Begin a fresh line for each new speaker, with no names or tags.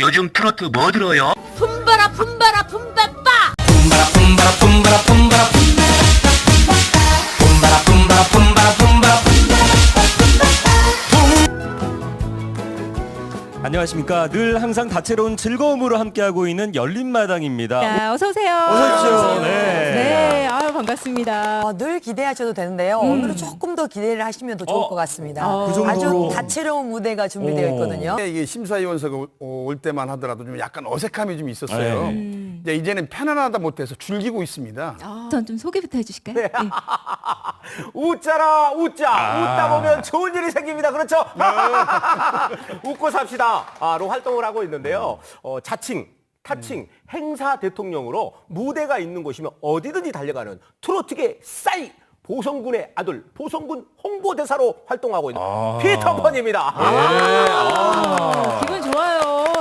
요즘 트로트 뭐 들어요?
품바라 품바라 품바빠.
뿜바라 뿜바라 뿜바라 뿜바라 뿜바라 뿜바라 뿜바라 뿜바라.
안녕하십니까. 늘 항상 다채로운 즐거움으로 함께하고 있는 열린마당입니다.
자, 어서 오세요.
어서 오십시오. 네.
네, 아유 반갑습니다.
늘 기대하셔도 되는데요. 오늘은 조금 더 기대를 하시면 더 좋을 것 같습니다.
그 정도로.
아주 다채로운 무대가 준비되어 있거든요.
이게 심사위원석가 올 때만 하더라도 좀 약간 어색함이 좀 있었어요. 이제 이제는 편안하다 못해서 즐기고 있습니다.
우선 좀 소개부터 해주실까요? 네.
웃자라 웃자 웃다 보면 좋은 일이 생깁니다. 그렇죠? 웃고 삽시다로 활동을 하고 있는데요. 자칭 타칭 행사 대통령으로 무대가 있는 곳이면 어디든지 달려가는 트로트계 싸이 보성군의 아들 보성군 홍보대사로 활동하고 있는 피터펀입니다.
기분 좋아요.